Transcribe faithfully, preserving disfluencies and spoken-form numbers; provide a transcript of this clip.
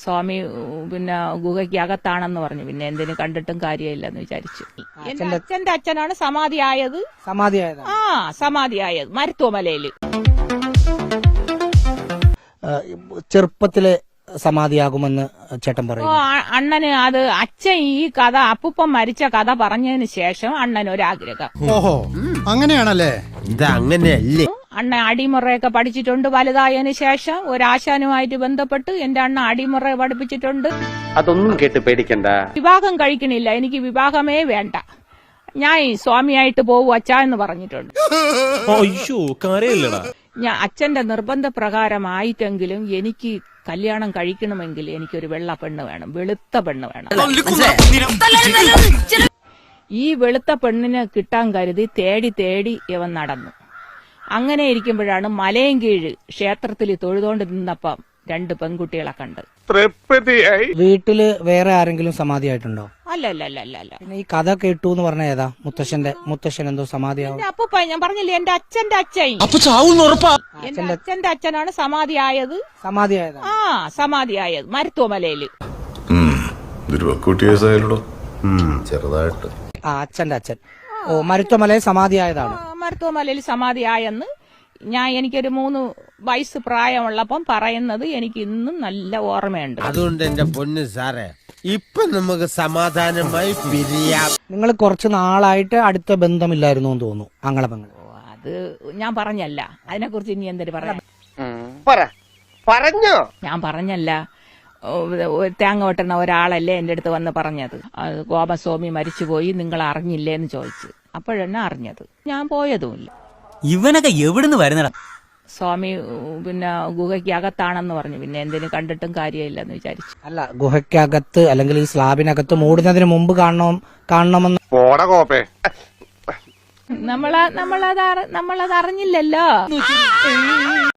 സ്വാമി പിന്നെ ഗുഹയ്ക്കകത്താണെന്ന് പറഞ്ഞു. പിന്നെ എന്തിനു കണ്ടിട്ടും കാര്യമില്ലെന്ന് വിചാരിച്ചു. എന്റെ അച്ഛന്റെ അച്ഛനാണ് സമാധിയായത്. സമാധിയായത് ആ സമാധിയായത് മരുത്വമലയില്. ചെറുപ്പത്തിലെ സമാധിയാകുമെന്ന് ചേട്ടൻ ഓ പറയും. അണ്ണന് അത് അച്ഛൻ ഈ കഥ അപ്പൂപ്പൻ മരിച്ച കഥ പറഞ്ഞതിന് ശേഷം അണ്ണന് ഒരാഗ്രഹം. ഓഹോ അങ്ങനെയാണല്ലേ? ഇതങ്ങനെയല്ലേ? അണ്ണൻ അടിമുറയൊക്കെ പഠിച്ചിട്ടുണ്ട്. വലുതായതിനു ശേഷം ഒരാശാനുമായിട്ട് ബന്ധപ്പെട്ട് എന്റെ അണ്ണ അടിമുറ പഠിപ്പിച്ചിട്ടുണ്ട്. അതൊന്നും കേട്ട് പേടിക്കണ്ട. വിവാഹം കഴിക്കണില്ല, എനിക്ക് വിവാഹമേ വേണ്ട, ഞാൻ സ്വാമിയായിട്ട് പോവൂ അച്ഛാ എന്ന് പറഞ്ഞിട്ടുണ്ട്. ഞാൻ അച്ഛന്റെ നിർബന്ധ പ്രകാരമായിട്ടെങ്കിലും എനിക്ക് കല്യാണം കഴിക്കണമെങ്കിൽ എനിക്കൊരു വെള്ള പെണ്ണ് വേണം, വെളുത്ത പെണ്ണ് വേണം. ഈ വെളുത്ത പെണ്ണിനെ കിട്ടാൻ കരുതി തേടി തേടി ഇവൻ നടന്നു. അങ്ങനെ ഇരിക്കുമ്പോഴാണ് മലയൻകീഴ് ക്ഷേത്രത്തിൽ തൊഴുതോണ്ട് നിന്നപ്പം രണ്ട് പെൺകുട്ടികളെ കണ്ട്. വീട്ടില് വേറെ ആരെങ്കിലും സമാധിയായിട്ടുണ്ടോ? അല്ല അല്ല അല്ല അല്ല അല്ല പിന്നെ ഈ കഥ കേട്ടു എന്ന് പറഞ്ഞ ഏതാ? മുത്തശ്ശന്റെ മുത്തശ്ശൻ എന്തോ സമാധിയാവും. അപ്പൂപ്പ ഞാൻ പറഞ്ഞില്ലേ എന്റെ അച്ഛന്റെ അച്ഛൻ. എന്റെ അച്ഛന്റെ അച്ഛനാണ് സമാധിയായത്. സമാധിയായത് ആ സമാധിയായത് മരുത്വമലയില്. ചെറുതായിട്ട് ആ അച്ഛന്റെ അച്ഛൻ. ഓ മരുത്വമലയിൽ സമാധിയായതാണ്. മരുത്വമലയിൽ സമാധിയായെന്ന് ഞാൻ എനിക്കൊരു മൂന്ന് വയസ്സ് പ്രായമുള്ളപ്പം പറയുന്നത് എനിക്ക് ഇന്നും നല്ല ഓർമ്മയുണ്ട്. അതുകൊണ്ട് എന്റെ പൊന്ന് സാറേ ഇപ്പൊ നമുക്ക് സമാധാനമായി പിരിയാം. നിങ്ങൾ കുറച്ച് നാളായിട്ട് അടുത്ത ബന്ധമില്ലായിരുന്നു എന്ന് തോന്നുന്നു ആങ്ങളപെങ്ങൾ. അത് ഞാൻ പറഞ്ഞല്ല, അതിനെക്കുറിച്ച് ഇനി എന്തൊരു പറയാം. പറഞ്ഞോ? ഞാൻ പറഞ്ഞല്ല. തേങ്ങ വെട്ടുന്ന ഒരാളല്ലേ എന്റെ അടുത്ത് വന്ന് പറഞ്ഞത്. ഗോപസ്വാമി മരിച്ചുപോയി, നിങ്ങൾ അറിഞ്ഞില്ലേ എന്ന് ചോദിച്ചു. അപ്പോഴെന്നെ അറിഞ്ഞത്. ഞാൻ പോയതുമില്ല. ഇവനൊക്കെ എവിടുന്ന് വരുന്നടാ? സ്വാമി പിന്നെ ഗുഹയ്ക്കകത്താണെന്ന് പറഞ്ഞു. പിന്നെ എന്തിനു കണ്ടിട്ടും കാര്യമില്ലെന്ന് വിചാരിച്ചു. അല്ല, ഗുഹയ്ക്കകത്ത് അല്ലെങ്കിൽ ഈ സ്ലാബിനകത്ത് മൂടുന്നതിന് മുമ്പ് കാണണം കാണണമെന്ന് നമ്മള നമ്മളത് നമ്മളത് അറിഞ്ഞില്ലല്ലോ.